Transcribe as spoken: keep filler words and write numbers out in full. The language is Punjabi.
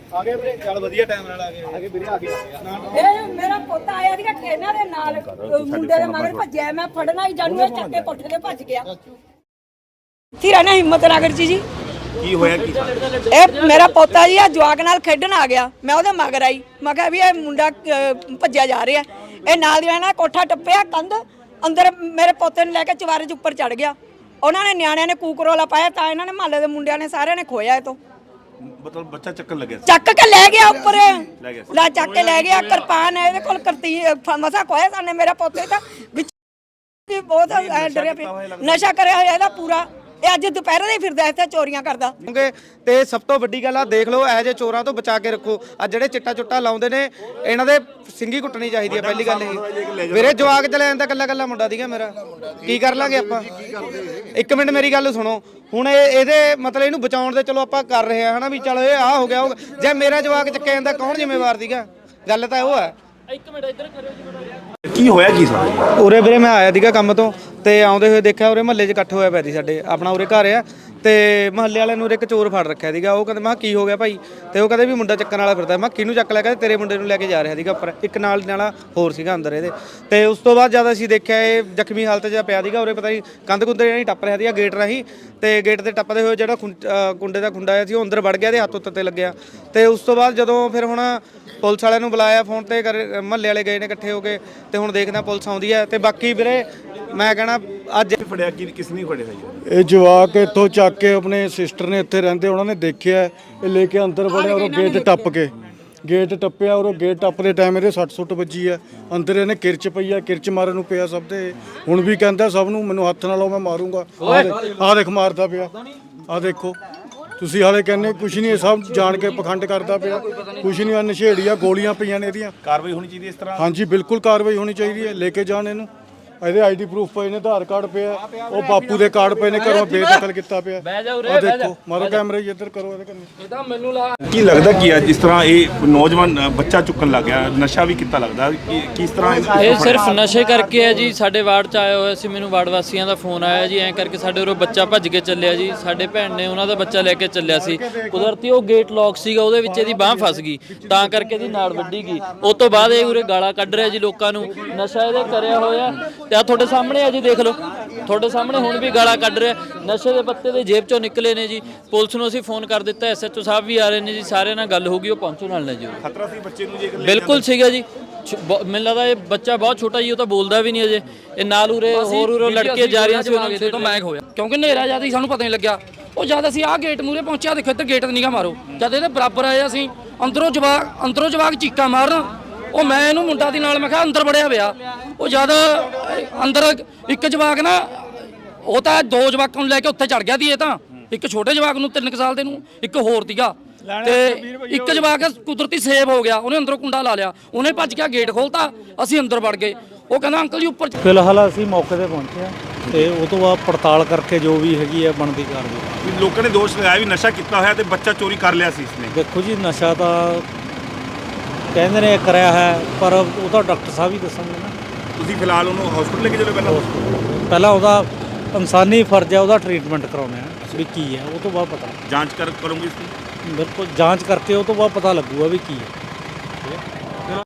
ਆ ਗਏ ਵੀਰੇ ਚੱਲ ਵਧੀਆ ਟਾਈਮ ਨਾਲ ਆ ਗਏ ਆ ਗਏ ਵੀਰੇ ਆ ਗਏ ਇਹ ਮੇਰਾ ਪੁੱਤ ਆਇਆ ਸੀਗਾ ਟ੍ਰੇਨਾਂ ਦੇ ਨਾਲ ਮੁੰਡੇ ਦੇ ਮਗਰ ਭੱਜਿਆ ਮੈਂ ਫੜਨਾ ਹੀ ਜਾਣੂ ਇਹ ਚੱਕੇ ਕੋਠੇ ਤੇ ਭੱਜ ਗਿਆ ਥੀਰਾ ਨਾ ਹਿੰਮਤ ਨਗਰ ਜੀ ਜੀ ਕੀ ਹੋਇਆ ਕੀ ਇਹ ਮੇਰਾ ਪੋਤਾ ਜੀ ਆ ਜਵਾਕ ਨਾਲ ਖੇਡਣ ਆ ਗਿਆ ਮੈਂ ਉਹਦੇ ਮਗਰ ਆਈ ਮੈਂ ਕਿਹਾ ਵੀ ਇਹ ਮੁੰਡਾ ਭੱਜਿਆ ਜਾ ਰਿਹਾ ਇਹ ਨਾਲ ਦੀ ਨਾਲ ਕੋਠਾ ਟੱਪਿਆ ਕੰਧ ਅੰਦਰ ਮੇਰੇ ਪੋਤੇ ਨੂੰ ਲੈ ਕੇ ਚਵਾਰੇ 'ਚ ਉੱਪਰ ਚੜ ਗਿਆ ਉਹਨਾਂ ਨੇ ਨਿਆਣਿਆਂ ਨੇ ਕੂਕਰੋਲਾ ਪਾਇਆ ਤਾਂ ਇਹਨਾਂ ਨੇ ਮਹੱਲੇ ਦੇ ਮੁੰਡਿਆਂ ਨੇ ਸਾਰਿਆਂ ਨੇ ਖੋਇਆ ਇਹ ਤੋਂ ਮਤਲਬ ਬੱਚਾ ਚੱਕਣ ਲੱਗਿਆ ਚੱਕ ਕੇ ਲੈ ਗਿਆ ਉੱਪਰ ਲੈ ਚੱਕ ਕੇ ਲੈ ਗਿਆ ਕਿਰਪਾਨ ਇਹਦੇ ਕੋਲ ਕਰਤੀ ਮਸਾ ਖੋਇਆ ਸਾਨੇ ਮੇਰਾ ਪੋਤੇ ਤਾਂ ਵਿੱਚ ਬਹੁਤ ਡਰਿਆ ਪਿਆ ਨਸ਼ਾ ਕਰਿਆ ਹੋਇਆ ਇਹਦਾ ਪੂਰਾ ਇਹ ਅੱਜ ਦੁਪਹਿਰੇ ਦੇ ਫਿਰਦਾ ਇੱਥੇ ਚੋਰੀਆਂ ਕਰਦਾ ਤੇ ਸਭ ਤੋਂ ਵੱਡੀ ਗੱਲ ਆ ਦੇਖ ਲਓ ਇਹੋ ਜਿਹੇ ਚੋਰਾਂ ਤੋਂ ਬਚਾ ਕੇ ਰੱਖੋ ਆ ਜਿਹੜੇ ਚਿੱਟਾ ਚੁੱਟਾ ਲਾਉਂਦੇ ਨੇ ਇਹਨਾਂ ਦੇ ਸਿੰਗੀ ਕੁੱਟਣੀ ਚਾਹੀਦੀ ਹੈ ਪਹਿਲੀ ਗੱਲ ਇਹ ਵੀਰੇ ਜਵਾਕ ਚਲੇ ਜਾਂਦਾ ਕੱਲਾ ਕੱਲਾ ਮੁੰਡਾ ਦੀਗਾ ਮੇਰਾ ਕੀ ਕਰ ਲਾਂਗੇ ਆਪਾਂ ਇੱਕ ਮਿੰਟ ਮੇਰੀ ਗੱਲ ਸੁਣੋ ਹੁਣ ਇਹ ਇਹਦੇ ਮਤਲਬ ਇਹਨੂੰ ਬਚਾਉਣ ਦੇ ਚਲੋ ਆਪਾਂ ਕਰ ਰਹੇ ਆ ਹਨਾ ਵੀ ਚਲੋ ਇਹ ਆ ਹੋ ਗਿਆ ਜੇ ਮੇਰਾ ਜਵਾਕ ਚੱਕਿਆ ਜਾਂਦਾ ਕੌਣ ਜ਼ਿੰਮੇਵਾਰ ਦੀਗਾ ਗੱਲ ਤਾਂ ਉਹ ਹੈ ਇੱਕ ਮਿੰਟ ਇੱਧਰ ਕਰਿਓ ਜੀ ਕੀ ਹੋਇਆ ਕੀ ਸਾਰਾ ਉਰੇ ਵੀਰੇ ਮੈਂ ਆਇਆ ਸੀਗਾ ਕੰਮ ਤੋਂ ਤੇ ਆਉਂਦੇ ਹੋਏ ਦੇਖਿਆ ਉਰੇ ਮਹੱਲੇ 'ਚ ਇਕੱਠ ਹੋਇਆ ਪਿਆ ਸੀ ਸਾਡੇ ਆਪਣਾ ਉਰੇ ਘਰ ਆ ਤੇ ਮਹੱਲੇ ਵਾਲਿਆਂ ਨੂੰ ਉਰੇ ਇੱਕ ਚੋਰ ਫੜ ਰੱਖਿਆ ਸੀਗਾ ਉਹ ਕਹਿੰਦੇ ਮੈਂ ਕੀ ਹੋ ਗਿਆ ਭਾਈ ਤੇ ਉਹ ਕਹਿੰਦੇ ਵੀ ਮੁੰਡਾ ਚੱਕਣ ਵਾਲਾ ਫਿਰਦਾ ਮੈਂ ਕਿਹਨੂੰ ਚੱਕ ਲਿਆ ਕਹਿੰਦੇ ਤੇਰੇ ਮੁੰਡੇ ਨੂੰ ਲੈ ਕੇ ਜਾ ਰਿਹਾ ਸੀਗਾ ਉੱਪਰ ਇੱਕ ਨਾਲ ਨਾਲਾ ਹੋਰ ਸੀਗਾ ਅੰਦਰ ਇਹਦੇ ਤੇ ਉਸ ਤੋਂ ਬਾਅਦ ਜਦ ਅਸੀਂ ਦੇਖਿਆ ਇਹ ਜ਼ਖਮੀ ਹਾਲਤ 'ਚ ਪਿਆ ਸੀਗਾ ਉਰੇ ਪਤਾ ਨਹੀਂ ਕੰਧ ਕੁੰਦੇ ਜਿਹੜੀ ਟੱਪ ਰਿਹਾ ਸੀਗਾ ਗੇਟ ਰਾਹੀਂ ਤੇ ਗੇਟ ਤੇ ਟੱਪਦੇ ਹੋਏ ਜਿਹੜਾ ਕੁੰਡੇ ਦਾ ਖੁੰਡਾ ਆਇਆ ਸੀ ਉਹ ਅੰਦਰ ਵੜ ਗਿਆ ਇਹਦੇ ਹੱਥ ਉੱਤੇ ਲੱਗਿਆ ਤੇ ਉਸ ਤੋਂ ਬਾਅਦ ਜਦੋਂ ਫਿਰ ਹੁਣ ਪੁਲਿਸ ਵਾਲਿਆਂ ਨੂੰ ਬੁਲਾਇਆ ਫੋਨ ਤੇ ਮਹੱਲੇ ਵਾਲੇ ਗਏ ਨੇ ਇਕੱਠੇ ਹੋ ਕੇ ਤੇ ਹੁਣ ਦੇਖਦਾ ਪੁਲਿਸ ਆਉਂਦੀ ਹੈ ਤੇ ਬਾਕੀ ਵੀਰੇ ਮੈਂ ਕਹਿਣਾ ਅੱਜ ਫੜਿਆ ਕੀ ਕਿਸ ਨੇ ਫੜਿਆ ਜੀ ਇਹ ਜਵਾਕ ਇੱਥੋਂ ਚੱਕ ਕੇ ਆਪਣੇ ਸਿਸਟਰ ਨੇ ਇੱਥੇ ਰਹਿੰਦੇ ਉਹਨਾਂ ਨੇ ਦੇਖਿਆ ਇਹ ਲੈ ਕੇ ਅੰਦਰ ਵੜਿਆ ਔਰ ਗੇਟ ਟੱਪ ਕੇ ਗੇਟ ਟੱਪਿਆ ਔਰ ਗੇਟ ਟੱਪਦੇ ਟਾਈਮ ਇਹਦੇ ਸੱਟ ਸੁੱਟ ਵੱਜੀ ਆ ਅੰਦਰ ਇਹਨੇ ਕਿਰਚ ਪਈ ਆ ਕਿਰਚ ਮਾਰਨ ਨੂੰ ਪਿਆ ਸਭ ਦੇ ਹੁਣ ਵੀ ਕਹਿੰਦਾ ਸਭ ਨੂੰ ਮੈਨੂੰ ਹੱਥ ਨਾਲ ਲਾਓ ਮੈਂ ਮਾਰੂੰਗਾ ਆਹ ਦੇਖ ਮਾਰਦਾ ਪਿਆ ਆਹ ਦੇਖੋ ਤੁਸੀਂ ਹਾਲੇ ਕਹਿੰਦੇ ਕੁਛ ਨਹੀਂ ਸਭ ਜਾਣ ਕੇ ਪਖੰਡ ਕਰਦਾ ਪਿਆ ਕੁਛ ਨਹੀਂ ਆ ਨਸ਼ੇੜੀ ਆ ਗੋਲੀਆਂ ਪਈਆਂ ਨੇ ਇਹਦੀਆਂ ਕਾਰਵਾਈ ਹੋਣੀ ਚਾਹੀਦੀ ਇਸ ਤਰ੍ਹਾਂ ਹਾਂਜੀ ਬਿਲਕੁਲ ਕਾਰਵਾਈ ਹੋਣੀ ਚਾਹੀਦੀ ਹੈ ਲੈ ਕੇ ਜਾਣ ਇਹਨੂੰ ਇਹਦੇ ਆਈਡੀ ਪ੍ਰੂਫ ਪਏ ਨੇ ਆਧਾਰ ਕਾਰਡ ਪਿਆ ਉਹ ਬਾਪੂ ਦੇ ਕਾਰਡ ਪਏ ਨੇ ਘਰੋਂ ਬੇਦਖਲ ਕੀਤਾ ਪਿਆ ਆ ਦੇਖੋ ਮਾਰੋ ਕੈਮਰੇ ਇੱਧਰ ਕਰੋ ਇਹਦੇ ਕੰਨੇ ਇਹ ਤਾਂ ਮੈਨੂੰ ਲਾ ਕੀ ਲੱਗਦਾ ਕੀ ਆ ਜਿਸ ਤਰ੍ਹਾਂ ਇਹ ਨੌਜਵਾਨ ਬੱਚਾ ਚੁੱਕਣ ਲੱਗ ਗਿਆ ਨਸ਼ਾ ਵੀ ਕੀਤਾ ਲੱਗਦਾ ਕਿ ਕਿਸ ਤਰ੍ਹਾਂ ਇਹ ਸਿਰਫ ਨਸ਼ੇ ਕਰਕੇ ਹੈ ਜੀ ਸਾਡੇ ਵਾਰਡ ਚ ਆਇਆ ਹੋਇਆ ਸੀ ਮੈਨੂੰ ਵਾਰਡ ਵਾਸੀਆਂ ਦਾ ਫੋਨ ਆਇਆ ਜੀ ਐਂ ਕਰਕੇ ਸਾਡੇ ਉਰੋਂ ਬੱਚਾ ਭੱਜ ਕੇ ਚੱਲਿਆ ਜੀ ਸਾਡੇ ਭੈਣ ਨੇ ਉਹਨਾਂ ਦਾ ਬੱਚਾ ਲੈ ਕੇ ਚੱਲਿਆ ਸੀ ਕੁਦਰਤੀ ਉਹ ਗੇਟ ਲੌਕ ਸੀਗਾ ਉਹਦੇ ਵਿੱਚ ਇਹਦੀ ਬਾਹ ਫਸ ਗਈ ਤਾਂ ਕਰਕੇ ਇਹਦੀ ਨਾੜ ਵੱਢੀ ਗਈ ਉਸ ਤੋਂ ਬਾਅਦ ਇਹ ਉਰੇ ਗਾਲਾਂ ਕੱਢ ਰਿਹਾ ਜੀ ਲੋਕਾਂ ਨੂੰ ਨਸ਼ਾ ਇਹਦੇ ਕਰਿਆ ਹੋਇਆ ਤੇ ਆ ਤੁਹਾਡੇ ਸਾਹਮਣੇ ਜੀ ਦੇਖ ਲਓ ਤੁਹਾਡੇ ਸਾਹਮਣੇ ਹੁਣ ਵੀ ਗਾਲਾਂ ਕੱਢ ਰਿਹਾ ਨਸ਼ੇ ਦੇ ਪੱਤੇ ਦੇ ਜੇਬ ਚੋਂ ਨਿਕਲੇ ਨੇ ਜੀ ਪੁਲਿਸ ਨੂੰ ਅਸੀਂ ਫੋਨ ਕਰ ਦਿੱਤਾ ਐਸਐਚਓ ਸਾਹਿਬ ਵੀ ਆ ਰਹੇ ਨੇ ਜੀ ਸਾਰਿਆਂ ਨਾਲ ਗੱਲ ਹੋ ਗਈ ਉਹ ਪਹੁੰਚੋ ਨਾਲ ਨੇ ਜੀ ਖਤਰਾ ਸੀ ਬੱਚੇ ਨੂੰ ਜੇ ਬਿਲਕੁਲ ਸੀਗਾ ਜੀ ਮੈਨੂੰ ਲੱਗਦਾ ਇਹ ਬੱਚਾ ਬਹੁਤ ਛੋਟਾ ਜੀ ਉਹ ਤਾਂ ਬੋਲਦਾ ਵੀ ਨਹੀਂ ਅਜੇ ਇਹ ਨਾਲ ਉਰੇ ਹੋਰ ਉਰੇ ਲੜਕੇ ਜਾ ਰਹੀਆਂ ਸੀ ਉਹਨਾਂ ਤੋਂ ਮੈਂ ਹੋਇਆ ਕਿਉਂਕਿ ਹਨੇਰਾ ਜਿਆਦਾ ਹੀ ਸਾਨੂੰ ਪਤਾ ਨਹੀਂ ਲੱਗਿਆ ਉਹ ਜਦ ਅਸੀਂ ਆਹ ਗੇਟ ਮੂਹਰੇ ਪਹੁੰਚਿਆ ਦੇਖੋ ਇੱਧਰ ਗੇਟ ਨਿਗਾ ਮਾਰੋ ਜਦ ਇਹਦੇ ਬਰਾਬਰ ਆਏ ਅਸੀਂ ਅੰਦਰੋਂ ਜਵਾਕ ਅੰਦਰੋਂ ਜਵਾਕ ਚੀਕਾਂ ਮਾਰਨ ਉਹ ਮੈਂ ਇਹਨੂੰ ਮੁੰਡਾ ਦੀ ਨਾਲ ਮੈਂ ਕਿਹਾ ਅੰਦਰ ਵੜਿਆ ਪਿਆ ਉਹ ਜਦ ਅੰਦਰ ਇੱਕ ਜਵਾਕ ਨਾ ਉਹ ਤਾਂ ਦੋ ਜਵਾਕਾਂ ਨੂੰ ਲੈ ਕੇ ਉੱਥੇ ਚੜ ਗਿਆ ਸੀ ਇਹ ਤਾਂ ਇੱਕ ਛੋਟੇ ਜਵਾਕ ਨੂੰ ਤਿੰਨ ਸਾਲ ਦੇ ਨੂੰ ਇੱਕ ਹੋਰ ਸੀਗਾ ਤੇ ਇੱਕ ਜਵਾਕ ਕੁਦਰਤੀ ਸੇਵ ਹੋ ਗਿਆ ਉਹਨੇ ਅੰਦਰੋਂ ਕੁੰਡਾ ਲਾ ਲਿਆ ਉਹਨੇ ਭੱਜ ਕੇ ਗੇਟ ਖੋਲਤਾ ਅਸੀਂ ਅੰਦਰ ਵੜ ਗਏ ਉਹ ਕਹਿੰਦਾ ਅੰਕਲ ਜੀ ਉੱਪਰ ਫਿਲਹਾਲ ਅਸੀਂ ਮੌਕੇ ਤੇ ਪਹੁੰਚੇ ਆ ਤੇ ਉਹ ਤੋਂ ਬਾਅਦ ਪੜਤਾਲ ਕਰਕੇ ਜੋ ਵੀ ਹੈਗੀ ਆ ਬਣਦੀ ਕਾਰਵਾਈ ਲੋਕਾਂ ਨੇ ਦੋਸ਼ ਲਗਾਇਆ ਵੀ ਨਸ਼ਾ ਕੀਤਾ ਹੋਇਆ ਤੇ ਬੱਚਾ ਚੋਰੀ ਕਰ ਲਿਆ ਸੀ ਇਸਨੇ ਦੇਖੋ ਜੀ ਨਸ਼ਾ ਤਾਂ ਕਹਿੰਦੇ ਨੇ ਕਰਿਆ ਹੈ ਪਰ ਉਹ ਤਾਂ ਡਾਕਟਰ ਸਾਹਿਬ ਹੀ ਦੱਸਣਗੇ ਨਾ ਤੁਸੀਂ ਫਿਲਹਾਲ ਉਹਨੂੰ ਹਸਪੀਟਲ ਲੈ ਕੇ ਚਲੋ ਪਹਿਲਾਂ ਪਹਿਲਾਂ ਉਹਦਾ ਇਨਸਾਨੀ ਫਰਜ਼ ਹੈ ਉਹਦਾ ਟ੍ਰੀਟਮੈਂਟ ਕਰਾਉਣਾ ਹੈ ਵੀ ਕੀ ਹੈ ਉਹ ਤੋਂ ਬਾਅਦ ਪਤਾ ਜਾਂਚ ਕਰ ਕਰੋਗੇ ਇਸ ਦੀ ਬਿਲਕੁਲ ਜਾਂਚ ਕਰਕੇ ਉਹ ਤੋਂ ਬਾਅਦ ਪਤਾ ਲੱਗੂਗਾ ਵੀ ਕੀ ਹੈ